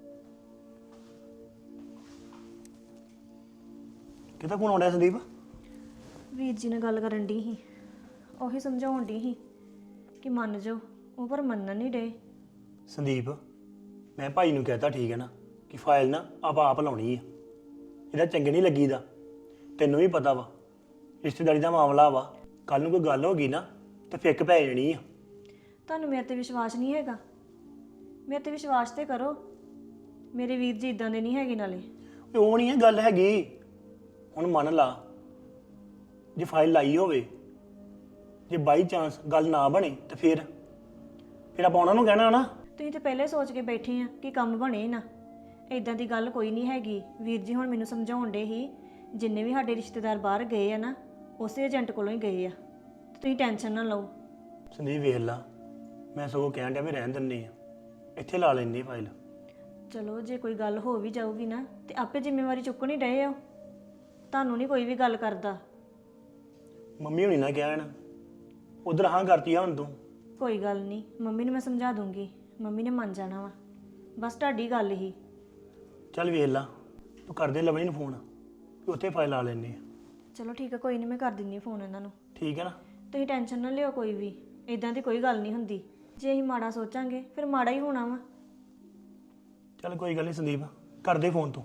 ਕਿਹਦਾ ਫੋਨ ਆਉਂਦਾ ਸੰਦੀਪ?
ਵੀਰ ਜੀ ਨਾਲ ਗੱਲ ਕਰਨ ਦੀ ਸੀ, ਉਹੀ ਸਮਝਾਉਣ ਦੀ ਸੀ ਕਿ ਮੰਨ ਜਾਓ, ਉਹ ਪਰ ਮੰਨਣ ਨਹੀਂ ਡੇ।
ਸੰਦੀਪ, ਮੈਂ ਭਾਈ ਨੂੰ ਕਹਿਤਾ, ਠੀਕ ਹੈ ਨਾ, ਕਿ ਫਾਈਲ ਨਾ ਆਪ ਲਾਉਣੀ ਆ। ਇਹਦਾ ਚੰਗੇ ਨਹੀਂ ਲੱਗੀਦਾ, ਤੈਨੂੰ ਵੀ ਪਤਾ ਵਾ ਰਿਸ਼ਤੇਦਾਰੀ ਦਾ ਮਾਮਲਾ ਵਾ। ਕੱਲ ਨੂੰ ਕੋਈ ਗੱਲ ਹੋ ਗਈ ਨਾ ਤੇ ਫਿੱਕ ਪੈ ਜਾਣੀ ਆ।
ਤੁਹਾਨੂੰ ਮੇਰੇ ਤੇ ਵਿਸ਼ਵਾਸ ਨਹੀਂ ਹੈਗਾ? ਮੇਰੇ ਤੇ ਵਿਸ਼ਵਾਸ ਤੇ ਕਰੋ, ਮੇਰੇ ਵੀਰ ਜੀ ਇਦਾਂ ਦੇ ਨਹੀਂ ਹੈਗੇ ਨਾਲੇ।
ਉਹ ਨਹੀਂ ਇਹ ਗੱਲ ਹੈਗੀ। ਹੁਣ ਮੰਨ ਲਾ ਜੇ ਫਾਈਲ ਲਾਈ ਹੋਵੇ, ਜੇ ਬਾਈ ਚਾਂਸ ਗੱਲ ਨਾ ਬਣੇ ਤੇ ਫਿਰ ਆਪਾਂ ਉਹਨਾਂ ਨੂੰ ਕਹਿਣਾ ਨਾ।
ਤੁਸੀਂ ਤੇ ਪਹਿਲੇ ਸੋਚ ਕੇ ਬੈਠੇ ਆ ਕਿ ਕੰਮ ਬਣੇ ਨਾ। ਇਦਾਂ ਦੀ ਗੱਲ ਕੋਈ ਨਹੀਂ ਹੈਗੀ। ਵੀਰ ਜੀ ਹੁਣ ਮੈਨੂੰ ਸਮਝਾਉਣ ਡੇ ਹੀ, ਜਿੰਨੇ ਵੀ ਸਾਡੇ ਰਿਸ਼ਤੇਦਾਰ ਬਾਹਰ ਗਏ ਆ ਨਾ, ਉਸੇ ਏਜੰਟ ਕੋਲੋਂ ਹੀ ਗਏ ਆ। ਤੁਸੀਂ ਟੈਨਸ਼ਨ ਨਾ ਲਓ।
ਸੰਦੀਪ ਵੇਖ ਲਾ, ਮੈਂ ਸਗੋਂ ਕਹਿਣ ਡਿਆ ਵੀ ਰਹਿਣ ਦਿੰਦੇ ਆ, ਇੱਥੇ ਲਾ ਲੈਂਦੇ ਫਾਈਲ।
ਚਲੋ ਜੇ ਕੋਈ ਗੱਲ ਹੋ ਵੀ ਜਾਊਗੀ ਨਾ ਤੇ ਆਪੇ ਜ਼ਿੰਮੇਵਾਰੀ ਚੁੱਕਣੀ ਡਏ ਹੋ। ਤੁਹਾਨੂੰ ਨਹੀਂ ਕੋਈ ਵੀ ਗੱਲ ਕਰਦਾ।
ਮੰਮੀ ਹੁਣੀ ਨਾ ਕਹਿਣ, ਉਧਰ ਹਾਂ ਕਰਤੀ ਆ ਹੁਣ ਤੂੰ।
ਕੋਈ ਗੱਲ ਨਹੀਂ, ਮੰਮੀ ਨੂੰ ਮੈਂ ਸਮਝਾ ਦੂੰਗੀ, ਮੰਮੀ ਨੇ ਮੰਨ ਜਾਣਾ ਵਾ। ਬਸ ਤੁਹਾਡੀ ਗੱਲ ਹੀ।
ਚੱਲ ਵੇਖ ਲਾ, ਤੂੰ ਕਰਦੇ ਲਵਣੀ ਨੂੰ ਫੋਨ, ਵੀ ਉੱਥੇ ਫਾਈਲ ਲਾ ਲੈਂਦੇ ਆ।
ਚਲੋ ਠੀਕ ਆ, ਕੋਈ ਨਹੀਂ, ਮੈਂ ਕਰ ਦਿੰਦੀ ਫੋਨ ਇਹਨਾਂ ਨੂੰ।
ਠੀਕ ਹੈ ਨਾ।
ਤੁਸੀਂ ਟੈਨਸ਼ਨ ਨਾ ਲਿਓ ਕੋਈ ਵੀ, ਇਦਾਂ ਦੀ ਕੋਈ ਗੱਲ ਨਹੀਂ ਹੁੰਦੀ। ਜੇ ਅਸੀਂ ਮਾੜਾ ਸੋਚਾਂਗੇ ਫਿਰ ਮਾੜਾ ਹੀ ਹੋਣਾ ਵਾ।
ਚੱਲ ਕੋਈ ਗੱਲ ਨਹੀਂ ਸੰਦੀਪ, ਕਰਦੇ ਫੋਨ ਤੂੰ।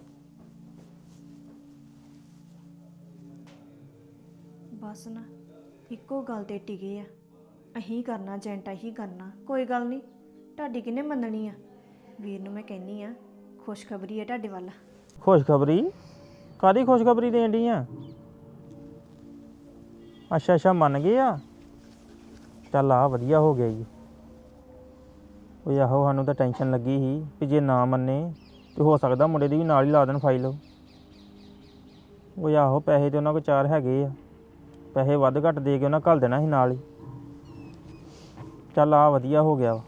ਬਸ ਨਾ ਇੱਕੋ ਗੱਲ ਤੇ ਟਿਕੇ ਆ, ਅਹੀਂ ਕਰਨਾ ਏਜੰਟ ਹੀ ਕਰਨਾ। ਕੋਈ ਗੱਲ ਨਹੀਂ, ਤੁਹਾਡੀ ਕਿਹਨੇ ਮੰਨਣੀ ਆ। ਵੀਰ ਨੂੰ ਮੈਂ ਕਹਿੰਨੀ ਆ ਖੁਸ਼ਖਬਰੀ ਹੈ ਤੁਹਾਡੇ ਵੱਲ।
ਖੁਸ਼ਖਬਰੀ? ਕਾਦੀ ਖੁਸ਼ਖਬਰੀ ਦੇਣ ਡਈ ਆ? ਅੱਛਾ ਮੰਨ ਗਏ ਆ। ਚੱਲ ਆ ਵਧੀਆ ਹੋ ਗਿਆ ਜੀ। ਉਹ ਆਹੋ ਸਾਨੂੰ ਤਾਂ ਟੈਨਸ਼ਨ ਲੱਗੀ ਸੀ ਕਿ ਜੇ ਨਾ ਮੰਨੇ ਤੇ ਹੋ ਸਕਦਾ ਮੁੰਡੇ ਦੀ ਵੀ ਨਾਲ ਹੀ ਲਾ ਦੇਣ ਫਾਈਲ। ਉਹ ਆਹੋ ਪੈਸੇ ਤੇ ਉਹਨਾਂ ਕੋਲ 4 ਹੈਗੇ ਆ, ਪੈਸੇ ਵੱਧ ਘੱਟ ਦੇ ਕੇ ਉਹਨਾਂ ਘੱਲ ਦੇਣਾ ਸੀ ਨਾਲ ਹੀ। ਚੱਲ ਆ ਵਧੀਆ ਹੋ ਗਿਆ ਵਾ।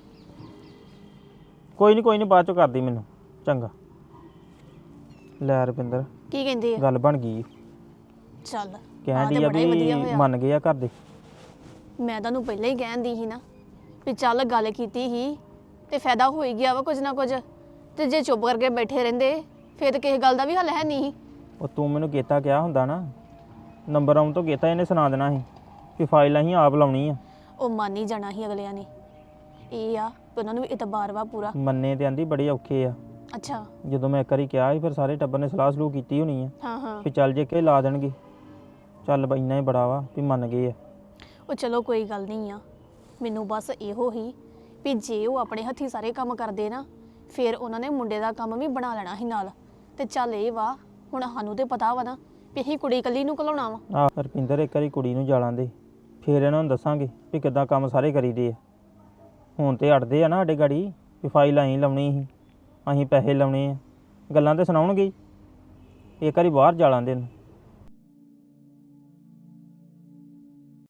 ਕੋਈ ਨਹੀਂ ਬਾਅਦ ਚੋਂ ਕਰਦੀ ਮੈਨੂੰ, ਚੰਗਾ। ਲੈ ਰੁਪਿੰਦਰ,
ਕੀ ਕਹਿੰਦੇ ਆ?
ਗੱਲ ਬਣ ਗਈ।
ਚੱਲ
ਕਹਿਣ ਡਈ ਆ ਵੀ ਮੰਨ ਗਏ ਆ ਘਰ ਦੇ।
ਮੈਂ ਤੁਹਾਨੂੰ ਪਹਿਲਾਂ ਹੀ ਕਹਿੰਦੀ ਸੀ ਨਾ ਵੀ ਚੱਲ ਗੱਲ ਕੀਤੀ ਸੀ ਤੇ ਫਾਇਦਾ ਹੋ ਹੀ ਗਿਆ ਵਾ ਕੁਝ ਨਾ ਕੁਝ। ਤੇ ਜੇ ਚੁੱਪ ਕਰਕੇ ਬੈਠੇ ਰਹਿੰਦੇ ਫਿਰ ਤਾਂ ਕਿਸੇ ਗੱਲ ਦਾ ਵੀ ਹੱਲ ਹੈ ਨਹੀਂ।
ਉਹ ਤੂੰ ਮੈਨੂੰ ਕੀਤਾ ਕਿਹਾ ਹੁੰਦਾ ਨਾ, ਨੰਬਰ ਆਉਣ ਤੋਂ ਕੀਤਾ ਇਹਨੇ ਸੁਣਾ ਦੇਣਾ ਸੀ ਕਿ ਫਾਈਲ ਅਸੀਂ ਆਪ ਲਾਉਣੀ ਆ।
ਉਹ ਮੰਨ ਹੀ ਜਾਣਾ ਸੀ ਅਗਲਿਆਂ ਨੇ। ਇਹ ਆ ਕਿ ਉਹਨਾਂ ਨੂੰ ਵੀ ਇਤਬਾਰ ਵਾ ਪੂਰਾ।
ਮੰਨੇ ਤੇ ਆਂਦੀ ਬੜੇ ਔਖੇ ਆ।
ਅੱਛਾ।
ਜਦੋਂ ਮੈਂ ਇੱਕ ਵਾਰੀ ਕਿਹਾ ਸੀ ਫਿਰ ਸਾਰੇ ਟੱਬਰ ਨੇ ਸਲਾਹ ਸਲੂਹ ਕੀਤੀ ਹੋਣੀ ਆ
ਹਾਂ
ਵੀ ਚੱਲ ਜੇ ਕਿ ਲਾ ਦੇਣਗੇ। ਚੱਲ ਬਈ ਇੰਨਾ ਹੀ ਬੜਾ ਵਾ ਵੀ ਮੰਨ ਗਏ ਆ।
ਉਹ ਚਲੋ ਕੋਈ ਗੱਲ ਨਹੀਂ ਆ। ਮੈਨੂੰ ਬਸ ਇਹੋ ਹੀ ਵੀ ਜੇ ਉਹ ਆਪਣੇ ਹੱਥੀਂ ਸਾਰੇ ਕੰਮ ਕਰਦੇ ਨਾ, ਫਿਰ ਉਹਨਾਂ ਨੇ ਮੁੰਡੇ ਦਾ ਕੰਮ ਵੀ ਬਣਾ ਲੈਣਾ ਸੀ ਨਾਲ। ਤੇ ਚੱਲ ਇਹ ਵਾ, ਹੁਣ ਸਾਨੂੰ ਤੇ ਪਤਾ ਵਾ ਨਾ ਵੀ ਅਸੀਂ ਕੁੜੀ ਇਕੱਲੀ ਨੂੰ ਘਲਾਉਣਾ ਵਾ।
ਰੁਪਿੰਦਰ ਇੱਕ ਵਾਰੀ ਕੁੜੀ ਨੂੰ ਜਾਲਾਂ ਦੇ, ਫਿਰ ਇਹਨਾਂ ਨੂੰ ਦੱਸਾਂਗੇ ਵੀ ਕਿੱਦਾਂ ਕੰਮ ਸਾਰੇ ਕਰੀਦੇ ਆ। ਹੁਣ ਤੇ ਅੜਦੇ ਆ ਨਾ ਸਾਡੇ ਗਾੜੀ ਵੀ ਫਾਈਲ ਅਸੀਂ ਲਾਉਣੀ ਸੀ, ਅਸੀਂ ਪੈਸੇ ਲਾਉਣੇ ਆ, ਗੱਲਾਂ ਤੇ ਸੁਣਾਉਣਗੇ ਹੀ। ਇੱਕ ਵਾਰੀ ਬਾਹਰ ਜਾ ਲਾਂਦੇ ਨੂੰ।